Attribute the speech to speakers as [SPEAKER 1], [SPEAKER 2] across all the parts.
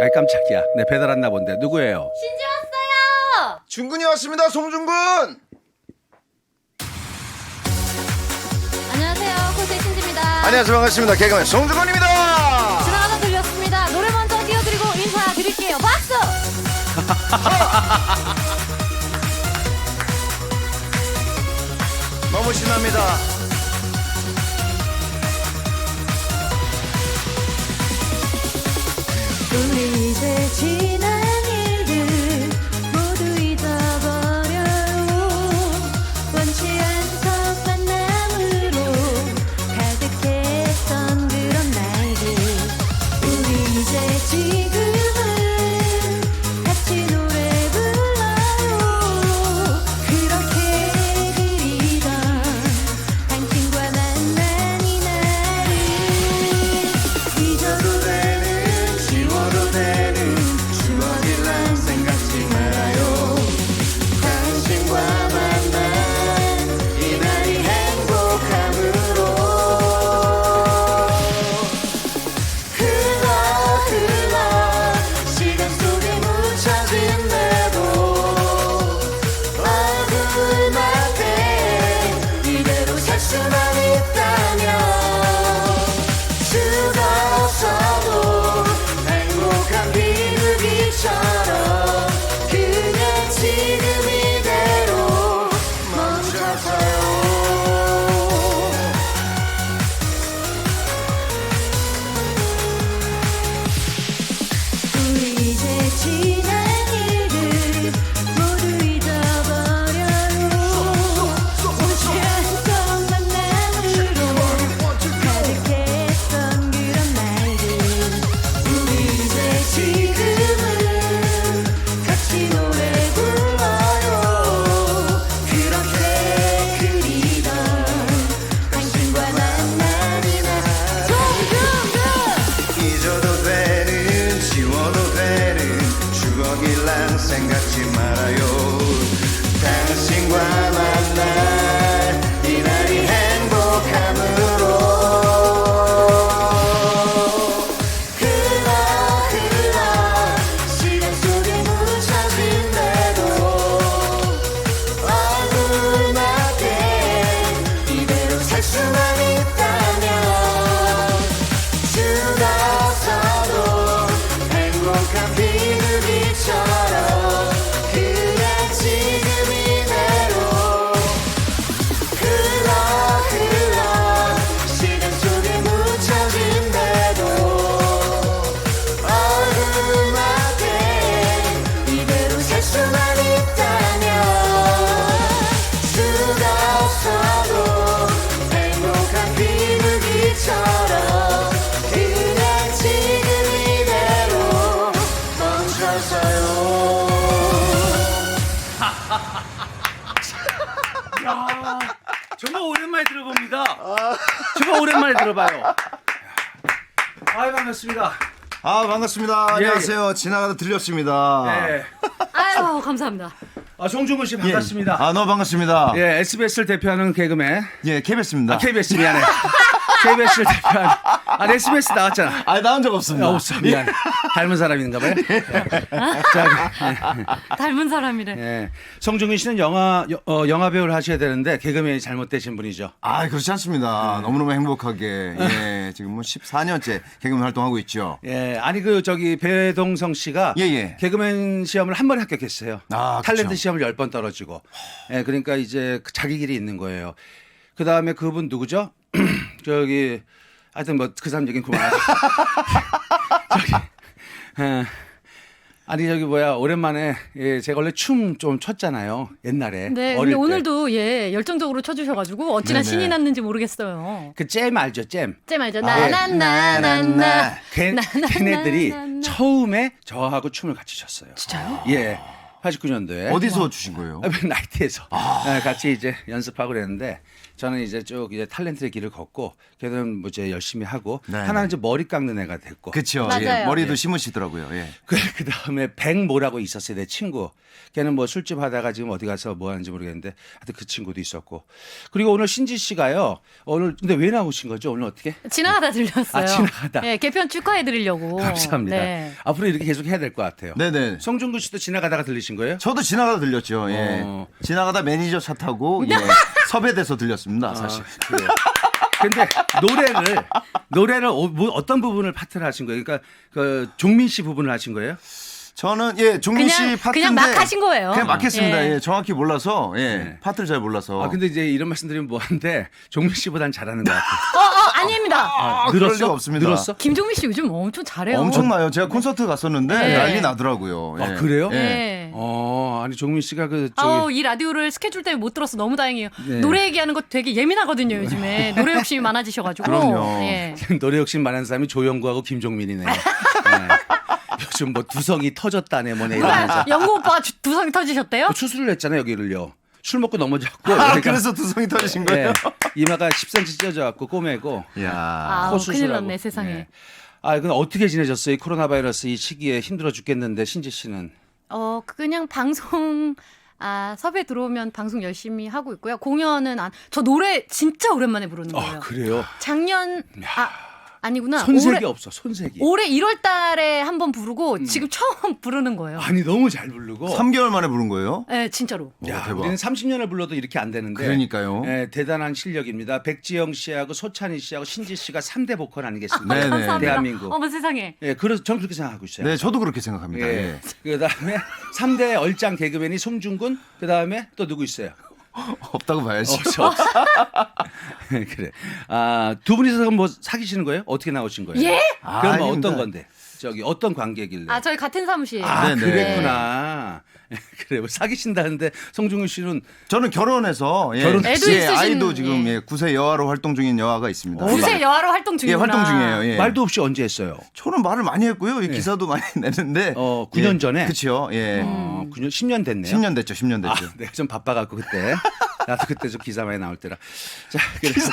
[SPEAKER 1] 아이 깜짝이야. 네, 배달 왔나 본데. 누구예요?
[SPEAKER 2] 신지 왔어요.
[SPEAKER 3] 중근이 왔습니다. 송중근.
[SPEAKER 2] 안녕하세요. 코스의 신지입니다.
[SPEAKER 3] 안녕하세요. 반갑습니다. 개그맨 송중근입니다.
[SPEAKER 2] 지나가다 들렸습니다. 노래 먼저 띄워드리고 인사드릴게요. 박수.
[SPEAKER 3] 너무 신납니다.
[SPEAKER 2] 우리 이제 지난 일들 모두 잊어버려요. 원치 않던 만남으로 가득했던 그런 날들. 우리 이제 지금은 같이 노래 불러요. 그렇게 그리던 당신과 만난 이날을 잊어도 되는 지워도 되는 추억이란 생각지 말아요. 당신과 만난 이날이 행복함으로 흘러 시간 속에 묻혀진대도 얼굴 맞대 이대로 살 수만 있다면 수가 없어도 행복한 비둘기처럼 그냥 지금 이대로 멈춰서요. 우리 이제 지난 일들 모두 잊어버려요. 원치 않던 만남으로 가득했던 그런 날들. 우리 이제 지금은 같이 노래 불러요. 그렇게 그리던 당신과 만난 이날. 송중근.
[SPEAKER 3] 잊어도 되는 지워도 되는 추억이란 생각지 말아요. 당신과 만날 이날이 행복함으로 흘러 시간 속에 묻혀진대도 얼굴 맞대 이대로 살 수만 있다면 수가 없어도 행복한 비둘기처럼 그냥 지금 이대로 흘러 시간 속에 묻혀진대도 얼굴 맞대 이대로 살 수만 있다면 수가 없어도 행복한 비둘기처럼 그냥 지금 이대로 멈춰서요.
[SPEAKER 1] 정말 오랜만에 들어봅니다. 정말 오랜만에 들어봐요. 아이 반갑습니다.
[SPEAKER 3] 아 반갑습니다.
[SPEAKER 1] 예,
[SPEAKER 3] 안녕하세요. 지나가다 들렸습니다.
[SPEAKER 1] 네.
[SPEAKER 2] 아유 감사합니다.
[SPEAKER 1] 송중근 씨 반갑습니다.
[SPEAKER 3] 아 너무 반갑습니다.
[SPEAKER 1] 예, SBS를 대표하는 개그맨.
[SPEAKER 3] 예, KBS입니다.
[SPEAKER 1] KBS 미안해. KBS를 대표하는. SBS 나왔잖아.
[SPEAKER 3] 아 나온 적 없습니다.
[SPEAKER 1] 없어 미안. 닮은 사람인가 봐요.
[SPEAKER 2] 닮은 사람이래.
[SPEAKER 1] 예. 송중근 씨는 영화 배우를 하셔야 되는데 개그맨이 잘못되신 분이죠.
[SPEAKER 3] 아 그렇지 않습니다. 너무너무 행복하게 지금 뭐 14년째 개그맨 활동하고 있죠.
[SPEAKER 1] 예, 아니 배동성 씨가
[SPEAKER 3] 예.
[SPEAKER 1] 개그맨 시험을 한 번 합격했어요.
[SPEAKER 3] 아,
[SPEAKER 1] 탤런트
[SPEAKER 3] 그쵸.
[SPEAKER 1] 시험을 10번 떨어지고. 예, 그러니까 이제 자기 길이 있는 거예요. 그 다음에 그분 누구죠? 하여튼 뭐 그 사람 얘기는 그만하고. 오랜만에 제가 원래 춤 좀 췄잖아요. 옛날에.
[SPEAKER 2] 네,
[SPEAKER 1] 어릴
[SPEAKER 2] 근데
[SPEAKER 1] 때.
[SPEAKER 2] 오늘도 열정적으로 쳐주셔가지고 어찌나
[SPEAKER 3] 네네.
[SPEAKER 2] 신이 났는지 모르겠어요.
[SPEAKER 1] 그 잼 알죠? 잼.
[SPEAKER 2] 잼 알죠?
[SPEAKER 1] 아,
[SPEAKER 2] 나나나나나.
[SPEAKER 1] 걔네들이 처음에 저하고 춤을 같이 췄어요.
[SPEAKER 2] 진짜요?
[SPEAKER 1] 예. 89년도에
[SPEAKER 3] 어디서 주신 거예요?
[SPEAKER 1] 나이트에서 같이 이제 연습하고 그랬는데 저는 이제 쭉 이제 탤런트의 길을 걷고 걔는 뭐 이제 열심히 하고
[SPEAKER 3] 네,
[SPEAKER 1] 하나는 이제 머리 깎는 애가 됐고
[SPEAKER 3] 그렇죠.
[SPEAKER 2] 맞아요.
[SPEAKER 3] 예, 머리도 심으시더라고요. 예.
[SPEAKER 1] 그 다음에 백모라고 있었어요 내 친구. 걔는 뭐 술집 하다가 지금 어디 가서 뭐 하는지 모르겠는데 하여튼 그 친구도 있었고 그리고 오늘 신지 씨가요 오늘 근데 왜 나오신 거죠 오늘 어떻게?
[SPEAKER 2] 지나가다 들렸어요.
[SPEAKER 1] 아, 지나가다.
[SPEAKER 2] 네, 개편 축하해드리려고.
[SPEAKER 1] 감사합니다.
[SPEAKER 2] 네.
[SPEAKER 1] 앞으로 이렇게 계속 해야 될 것 같아요.
[SPEAKER 3] 네네.
[SPEAKER 1] 송중근 씨도 지나가다가 들리신 거예요?
[SPEAKER 3] 저도 지나가다 들렸죠. 예.
[SPEAKER 1] 어.
[SPEAKER 3] 지나가다 매니저 차 타고 예. 섭외돼서 들렸습니다. 사실.
[SPEAKER 1] 그래요. 근데 노래를 뭐 어떤 부분을 파트를 하신 거예요? 그러니까 그 종민 씨 부분을 하신 거예요?
[SPEAKER 3] 저는 예 종민 씨
[SPEAKER 2] 그냥-
[SPEAKER 3] 파트인데
[SPEAKER 2] 그냥 막 하신 거예요.
[SPEAKER 3] 그냥 막 했습니다.
[SPEAKER 2] 예.
[SPEAKER 3] 예. 정확히 몰라서 예.
[SPEAKER 1] 네.
[SPEAKER 3] 파트를 잘 몰라서.
[SPEAKER 1] 아 근데 이제 이런 말씀드리면 뭐한데 종민 씨보단 잘하는 것 같아요.
[SPEAKER 2] 아닙니다.
[SPEAKER 3] 그럴 리가 없습니다.
[SPEAKER 1] 늘었어?
[SPEAKER 2] 김종민 씨 요즘 엄청 잘해요.
[SPEAKER 3] 엄청나요. 제가 콘서트 갔었는데
[SPEAKER 2] 네.
[SPEAKER 3] 난리 나더라고요. 예.
[SPEAKER 1] 아 그래요?
[SPEAKER 3] 예.
[SPEAKER 2] 네.
[SPEAKER 1] 아니 종민 씨가 그 저기
[SPEAKER 2] 이 라디오를 스케줄 때문에 못 들어서 너무 다행이에요.
[SPEAKER 1] 네.
[SPEAKER 2] 노래 얘기하는 거 되게 예민하거든요, 요즘에. 노래 욕심이 많아지셔가지고.
[SPEAKER 3] 그럼요.
[SPEAKER 2] 예.
[SPEAKER 1] 노래 욕심 많은 사람이 조영구하고 김종민이네요. 네. 요즘 뭐 두성이 터졌다네 뭐네 이러면서
[SPEAKER 2] 영구 오빠가 두성이 터지셨대요?
[SPEAKER 1] 추수를 했잖아요 여기를요. 술 먹고 넘어졌고
[SPEAKER 3] 아,
[SPEAKER 1] 여기가
[SPEAKER 3] 그래서 두성이 터지신 거예요?
[SPEAKER 1] 네, 이마가 10cm 찢어져갖고 꼬매고
[SPEAKER 3] 야.
[SPEAKER 2] 아,
[SPEAKER 1] 코
[SPEAKER 2] 큰일
[SPEAKER 1] 수술하고.
[SPEAKER 2] 났네, 세상에.
[SPEAKER 1] 네. 아, 근데 어떻게 지내셨어요? 이 코로나 바이러스 이 시기에 힘들어 죽겠는데 신지 씨는
[SPEAKER 2] 그냥 방송, 섭외 들어오면 방송 열심히 하고 있고요. 공연은 저 노래 진짜 오랜만에 부르는 거예요.
[SPEAKER 1] 그래요?
[SPEAKER 2] 작년, 아니구나.
[SPEAKER 1] 손색이 없어 손색이.
[SPEAKER 2] 올해 1월 달에 한 번 부르고 지금 처음 부르는 거예요.
[SPEAKER 1] 아니 너무 잘 부르고.
[SPEAKER 3] 3개월 만에 부른 거예요?
[SPEAKER 2] 네, 진짜로.
[SPEAKER 1] 야,
[SPEAKER 3] 대박.
[SPEAKER 1] 우리는 30년을 불러도 이렇게 안 되는데.
[SPEAKER 3] 그러니까요.
[SPEAKER 1] 대단한 실력입니다. 백지영 씨하고 소찬희 씨하고 신지 씨가 3대 보컬 아니겠습니까?
[SPEAKER 3] 네네.
[SPEAKER 2] 감사합니다.
[SPEAKER 1] 대한민국.
[SPEAKER 2] 어머 세상에.
[SPEAKER 1] 그래서 저는 그렇게 생각하고 있어요.
[SPEAKER 3] 네, 저도 그렇게 생각합니다.
[SPEAKER 1] 예.
[SPEAKER 3] 예.
[SPEAKER 1] 그다음에 3대 얼짱 개그맨이 송중근, 그다음에 또 누구 있어요?
[SPEAKER 3] 없다고 봐야지.
[SPEAKER 1] 없어. 그래. 두 분이서 그럼 뭐 사귀시는 거예요? 어떻게 나오신 거예요?
[SPEAKER 2] 예?
[SPEAKER 1] 그럼 뭐
[SPEAKER 3] 아닙니다.
[SPEAKER 1] 어떤 건데? 저기 어떤 관계길래?
[SPEAKER 2] 저희 같은 사무실.
[SPEAKER 3] 네네.
[SPEAKER 1] 그랬구나. 그래. 뭐 사귀신다는데 송중근 씨는
[SPEAKER 3] 저는 결혼해서 예.
[SPEAKER 1] 결혼-
[SPEAKER 2] 애도
[SPEAKER 3] 예,
[SPEAKER 2] 있으신-
[SPEAKER 3] 아이도 지금
[SPEAKER 2] 예.
[SPEAKER 3] 예, 9세 여아로 활동 중인 여아가 있습니다.
[SPEAKER 2] 구세 여아로 활동
[SPEAKER 3] 예,
[SPEAKER 2] 중이구나.
[SPEAKER 3] 활동 중이에요. 예.
[SPEAKER 1] 말도 없이 언제 했어요?
[SPEAKER 3] 저는 말을 많이 했고요. 이 기사도 많이 냈는데.
[SPEAKER 1] 9년 전에?
[SPEAKER 3] 그렇죠. 예.
[SPEAKER 1] 9년, 10년 됐네요.
[SPEAKER 3] 10년 됐죠. 10년 됐죠.
[SPEAKER 1] 내가 좀 바빠갖고 그때. 나도 그때 좀 기사 많이 나올 때라. 자, 그래서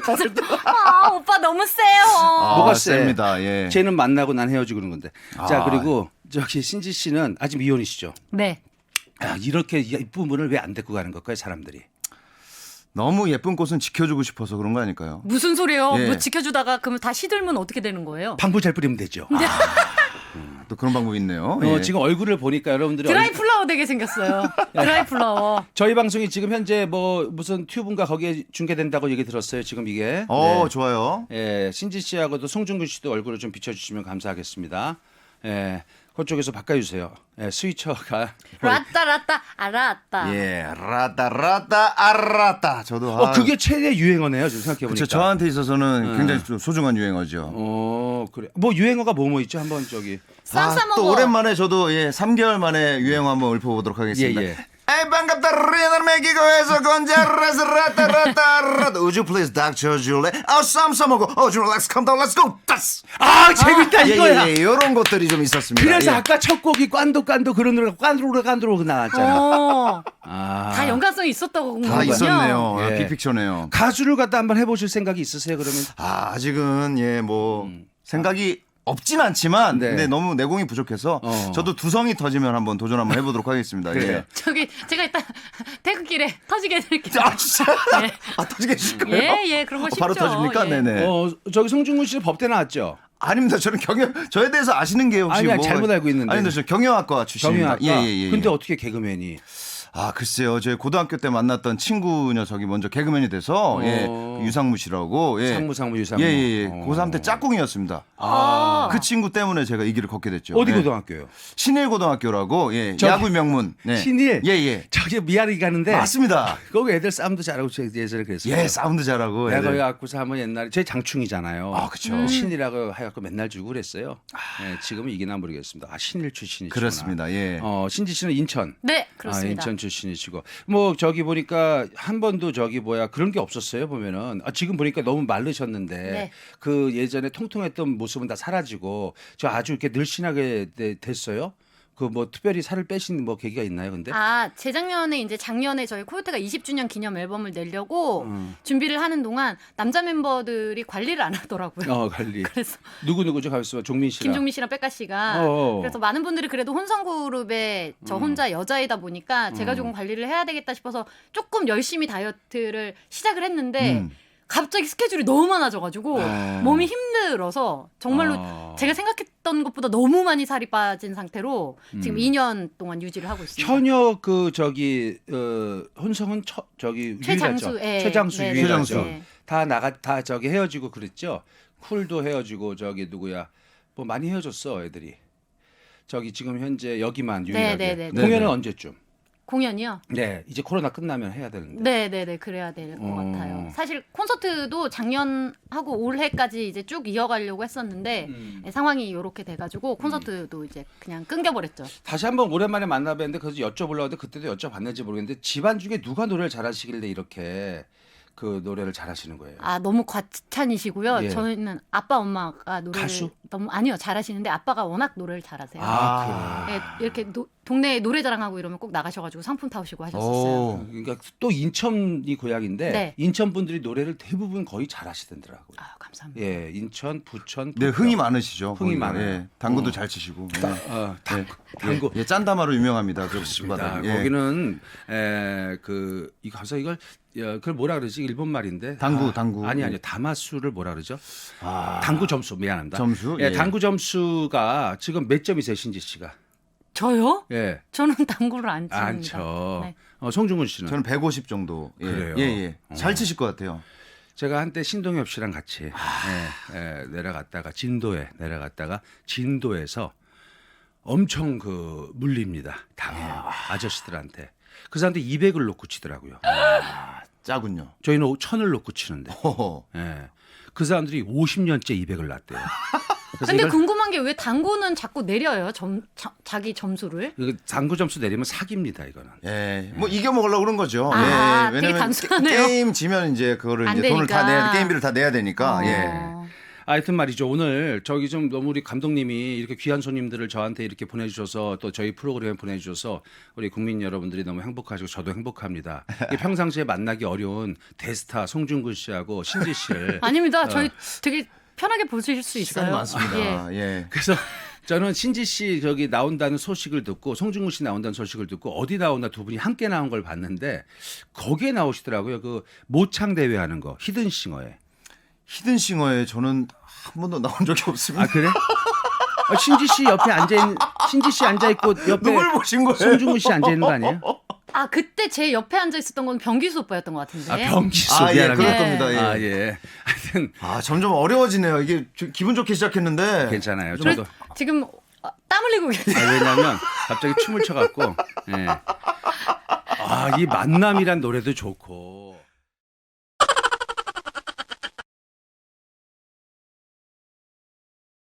[SPEAKER 2] 오빠 너무 세요.
[SPEAKER 1] 뭐가
[SPEAKER 3] 셉니다. 예.
[SPEAKER 1] 쟤는 만나고 난 헤어지고 그런 건데. 자, 그리고 저기 신지 씨는 아직 미혼이시죠?
[SPEAKER 2] 네.
[SPEAKER 1] 이렇게 이쁜 분을 왜 안 데리고 가는 걸까요, 사람들이?
[SPEAKER 3] 너무 예쁜 꽃은 지켜주고 싶어서 그런 거 아닐까요?
[SPEAKER 2] 무슨 소리예요?
[SPEAKER 3] 예.
[SPEAKER 2] 뭐 지켜주다가 그러면 다 시들면 어떻게 되는 거예요?
[SPEAKER 1] 방부 잘 뿌리면 되죠.
[SPEAKER 3] 또 그런 방법이 있네요.
[SPEAKER 1] 지금 얼굴을 보니까 여러분들이
[SPEAKER 2] 드라이 플라워 되게 생겼어요. 드라이 플라워.
[SPEAKER 1] 저희 방송이 지금 현재 뭐 무슨 튜브인가 거기에 중계된다고 얘기 들었어요. 지금 이게. 네.
[SPEAKER 3] 좋아요.
[SPEAKER 1] 예, 신지 씨하고도 송중근 씨도 얼굴을 좀 비춰주시면 감사하겠습니다. 예, 그쪽에서 바꿔주세요. 예, 스위처가.
[SPEAKER 2] 라따 알았다.
[SPEAKER 3] 예, 라따 아라따. 저도
[SPEAKER 1] 그게 최대 유행어네요. 지금 생각해보니까.
[SPEAKER 3] 그렇죠. 저한테 있어서는 굉장히 좀 소중한 유행어죠.
[SPEAKER 1] 그래. 뭐 유행어가 뭐 있죠? 한번 저기.
[SPEAKER 2] 쌈
[SPEAKER 3] 또
[SPEAKER 2] 먹어.
[SPEAKER 3] 오랜만에 저도 3개월 만에 유행어 한번 읊어보도록 하겠습니다.
[SPEAKER 1] 예, 예.
[SPEAKER 3] 에이 반갑다 리얼 메기고에서 건자라스 라따라따라 Would you please Dr. Julie 쌈 싸먹어 Julie let's come down let's go 따스
[SPEAKER 1] 재밌다 이거야.
[SPEAKER 3] 예, 이런 것들이 좀 있었습니다.
[SPEAKER 1] 그래서
[SPEAKER 3] 예.
[SPEAKER 1] 아까 첫 곡이 깐도 그런 노래가 깐도로 나왔잖아.
[SPEAKER 2] 다 연관성이 있었다고 본
[SPEAKER 3] 다
[SPEAKER 2] 거군요.
[SPEAKER 3] 있었네요.
[SPEAKER 1] 예.
[SPEAKER 3] 빅픽처네요.
[SPEAKER 1] 가수를 갖다 한번 해보실 생각이 있으세요? 그러면?
[SPEAKER 3] 아직은 생각이 없진 않지만
[SPEAKER 1] 네.
[SPEAKER 3] 근데 너무 내공이 부족해서 저도 두성이 터지면 한번 도전 한번 해보도록 하겠습니다.
[SPEAKER 1] 그래요.
[SPEAKER 3] 예.
[SPEAKER 2] 저기 제가 이따 퇴근길에 터지게 해드릴게요.
[SPEAKER 3] 진짜?
[SPEAKER 2] 예.
[SPEAKER 3] 터지게 해주실 거예요?
[SPEAKER 2] 예, 그런 거 쉽죠.
[SPEAKER 3] 바로 터집니까?
[SPEAKER 2] 예.
[SPEAKER 3] 네네.
[SPEAKER 1] 저기 송중근 씨 법대 나왔죠?
[SPEAKER 3] 아닙니다. 저는 저에 대해서 아시는 게 혹시
[SPEAKER 1] 아니, 잘못 알고 있는데.
[SPEAKER 3] 아닙니다. 저 경영학과 출신입니다.
[SPEAKER 1] 경영학과.
[SPEAKER 3] 예.
[SPEAKER 1] 근데 어떻게 개그맨이?
[SPEAKER 3] 글쎄요. 저희 고등학교 때 만났던 친구 녀석이 먼저 개그맨이 돼서 그 유상무 씨라고
[SPEAKER 1] 상무 유상무.
[SPEAKER 3] 예. 고3 때 짝꿍이었습니다. 그 친구 때문에 제가 이 길을 걷게 됐죠.
[SPEAKER 1] 어디
[SPEAKER 3] 예.
[SPEAKER 1] 고등학교요?
[SPEAKER 3] 신일고등학교라고
[SPEAKER 1] 저기-
[SPEAKER 3] 야구 명문. 네.
[SPEAKER 1] 신일?
[SPEAKER 3] 예.
[SPEAKER 1] 저기 미아리 가는데.
[SPEAKER 3] 맞습니다.
[SPEAKER 1] 거기 애들 싸움도 잘하고 제가 예전에 그랬어요.
[SPEAKER 3] 예, 사운드 잘하고.
[SPEAKER 1] 내가
[SPEAKER 3] 애들.
[SPEAKER 1] 거기 갖고서 한번 옛날에 제 장충이잖아요.
[SPEAKER 3] 그쵸.
[SPEAKER 1] 신이라고 해갖고 맨날 주고 그랬어요. 지금은 이기나 모르겠습니다. 신일 출신이시구나.
[SPEAKER 3] 그렇습니다. 예.
[SPEAKER 1] 신지 씨는 인천.
[SPEAKER 2] 네, 그렇습니다.
[SPEAKER 1] 인천 출신이시고 뭐 저기 보니까 한 번도 저기 그런 게 없었어요 보면은 지금 보니까 너무 마르셨는데
[SPEAKER 2] 네.
[SPEAKER 1] 그 예전에 통통했던 모습은 다 사라지고 저 아주 이렇게 늘씬하게 됐어요. 그 뭐 특별히 살을 빼신 뭐 계기가 있나요, 근데?
[SPEAKER 2] 아, 재작년에 이제 작년에 저희 코요태가 20주년 기념 앨범을 내려고 준비를 하는 동안 남자 멤버들이 관리를 안 하더라고요.
[SPEAKER 1] 관리.
[SPEAKER 2] 그래서
[SPEAKER 1] 누구죠? 가만있어 봐. 종민 씨랑.
[SPEAKER 2] 김종민 씨랑 백가 씨가
[SPEAKER 1] 어어.
[SPEAKER 2] 그래서 많은 분들이 그래도 혼성 그룹에 저 혼자 여자이다 보니까 제가 조금 관리를 해야 되겠다 싶어서 조금 열심히 다이어트를 시작을 했는데 갑자기 스케줄이 너무 많아져가지고 몸이 힘들어서 정말로 제가 생각했던 것보다 너무 많이 살이 빠진 상태로 지금 2년 동안 유지를 하고 있습니다.
[SPEAKER 1] 현역 그 저기 혼성은 저기
[SPEAKER 2] 최장수,
[SPEAKER 1] 유일하죠.
[SPEAKER 2] 예.
[SPEAKER 1] 최장수
[SPEAKER 2] 네,
[SPEAKER 1] 유일하죠.
[SPEAKER 2] 네.
[SPEAKER 1] 다 저기 헤어지고 그랬죠. 쿨도 헤어지고 저기 누구야 뭐 많이 헤어졌어 애들이. 저기 지금 현재 여기만 유일하게.
[SPEAKER 2] 네.
[SPEAKER 1] 공연은
[SPEAKER 3] 네.
[SPEAKER 1] 언제쯤?
[SPEAKER 2] 공연이요?
[SPEAKER 1] 네, 이제 코로나 끝나면 해야 되는데.
[SPEAKER 2] 네네네 그래야 될 것 같아요. 사실 콘서트도 작년하고 올해까지 이제 쭉 이어가려고 했었는데 상황이 이렇게 돼가지고 콘서트도 이제 그냥 끊겨버렸죠.
[SPEAKER 1] 다시 한번 오랜만에 만나뵀는데 그래서 여쭤보려고 했는데 그때도 여쭤봤는지 모르겠는데 집안 중에 누가 노래를 잘하시길래 이렇게 그 노래를 잘하시는 거예요?
[SPEAKER 2] 아 너무 과찬이시고요.
[SPEAKER 1] 예.
[SPEAKER 2] 저희는 아빠 엄마가 노래를
[SPEAKER 1] 가수?
[SPEAKER 2] 너무 아니요 잘하시는데 아빠가 워낙 노래를 잘하세요.
[SPEAKER 1] 아,
[SPEAKER 2] 네, 이렇게 동네에 노래자랑하고 이러면 꼭 나가셔가지고 상품 타오시고 하셨었어요.
[SPEAKER 3] 오.
[SPEAKER 1] 그러니까 또 인천이 고향인데
[SPEAKER 2] 네.
[SPEAKER 1] 인천 분들이 노래를 대부분 거의 잘하시더라고요.
[SPEAKER 2] 아 감사합니다.
[SPEAKER 1] 예, 인천, 부천,
[SPEAKER 3] 네,
[SPEAKER 1] 부평.
[SPEAKER 3] 흥이 많으시죠.
[SPEAKER 1] 흥이
[SPEAKER 3] 거기가.
[SPEAKER 1] 많아요.
[SPEAKER 3] 예, 당구도 잘 치시고. 네.
[SPEAKER 1] 당구.
[SPEAKER 3] 예, 짠다마로 유명합니다.
[SPEAKER 1] 그렇습니다.
[SPEAKER 3] 예.
[SPEAKER 1] 거기는 이거 가서 이걸 그걸 뭐라 그러지? 일본 말인데.
[SPEAKER 3] 당구.
[SPEAKER 1] 아니요. 다마수를 뭐라 그러죠? 당구 점수 미안합니다.
[SPEAKER 3] 점수?
[SPEAKER 1] 예,
[SPEAKER 3] 예.
[SPEAKER 1] 당구 점수가 지금 몇 점이세요, 신지 씨가?
[SPEAKER 2] 저요?
[SPEAKER 1] 예.
[SPEAKER 2] 저는 당구를 안 칩니다.
[SPEAKER 1] 안 쳐.
[SPEAKER 2] 네.
[SPEAKER 1] 송중근 씨는
[SPEAKER 3] 저는 150 정도. 예.
[SPEAKER 1] 그래요?
[SPEAKER 3] 예. 잘 치실 것 같아요.
[SPEAKER 1] 제가 한때 신동엽 씨랑 같이 내려갔다가 진도에 내려갔다가 진도에서 엄청 그 물립니다. 당해요. 아저씨들한테. 그 사람들 200을 놓고 치더라고요.
[SPEAKER 3] 짜군요.
[SPEAKER 1] 저희는 1000을 놓고 치는데.
[SPEAKER 3] 호호.
[SPEAKER 1] 예. 그 사람들이 50년째 200을 놨대요. 그래서
[SPEAKER 2] 근데
[SPEAKER 1] 이걸
[SPEAKER 2] 궁금한 게 왜 당구는 자꾸 내려요? 자기 점수를?
[SPEAKER 1] 이거 당구 점수 내리면 사기입니다, 이거는.
[SPEAKER 3] 예, 뭐 이겨 먹으려고 그런 거죠.
[SPEAKER 2] 아,
[SPEAKER 3] 예,
[SPEAKER 2] 되게
[SPEAKER 3] 왜냐면
[SPEAKER 2] 단순하네요.
[SPEAKER 3] 게임 지면 이제 그거를
[SPEAKER 2] 안
[SPEAKER 3] 이제 돈을 다
[SPEAKER 2] 되니까.
[SPEAKER 3] 게임비를 다 내야 되니까. 예.
[SPEAKER 1] 하여튼 말이죠. 오늘 저기 좀 너무 우리 감독님이 이렇게 귀한 손님들을 저한테 이렇게 보내주셔서 또 저희 프로그램에 보내주셔서 우리 국민 여러분들이 너무 행복하시고 저도 행복합니다. 이게 평상시에 만나기 어려운 대스타 송중근 씨하고 신지 씨를
[SPEAKER 2] 아닙니다. 저희 되게 편하게 보실 수 있어요.
[SPEAKER 3] 시간이 많습니다.
[SPEAKER 2] 예.
[SPEAKER 3] 예.
[SPEAKER 1] 그래서 저는 신지 씨 저기 나온다는 소식을 듣고 송중근 씨 나온다는 소식을 듣고 어디 나온다 두 분이 함께 나온 걸 봤는데 거기에 나오시더라고요. 그 모창 대회 하는 거 히든싱어에.
[SPEAKER 3] 히든싱어에 저는 한 번도 나온 적이 없습니다.
[SPEAKER 1] 아 그래? 신지 씨 옆에 신지 씨 앉아 있고 옆에
[SPEAKER 3] 누굴 보신 거예요?
[SPEAKER 1] 송중근 씨 앉아 있는 거 아니에요?
[SPEAKER 2] 아 그때 제 옆에 앉아 있었던 건 병기수 오빠였던 것 같은데.
[SPEAKER 1] 아 병기수
[SPEAKER 3] 아, 예,
[SPEAKER 1] 미안합니다.
[SPEAKER 3] 그럴 겁니다. 예.
[SPEAKER 1] 아 예. 하여튼
[SPEAKER 3] 점점 어려워지네요. 이게 기분 좋게 시작했는데.
[SPEAKER 1] 괜찮아요.
[SPEAKER 2] 그래,
[SPEAKER 1] 저도
[SPEAKER 2] 지금 땀 흘리고 계세요.
[SPEAKER 1] 왜냐하면 갑자기 춤을 춰갖고 이 만남이란 노래도 좋고.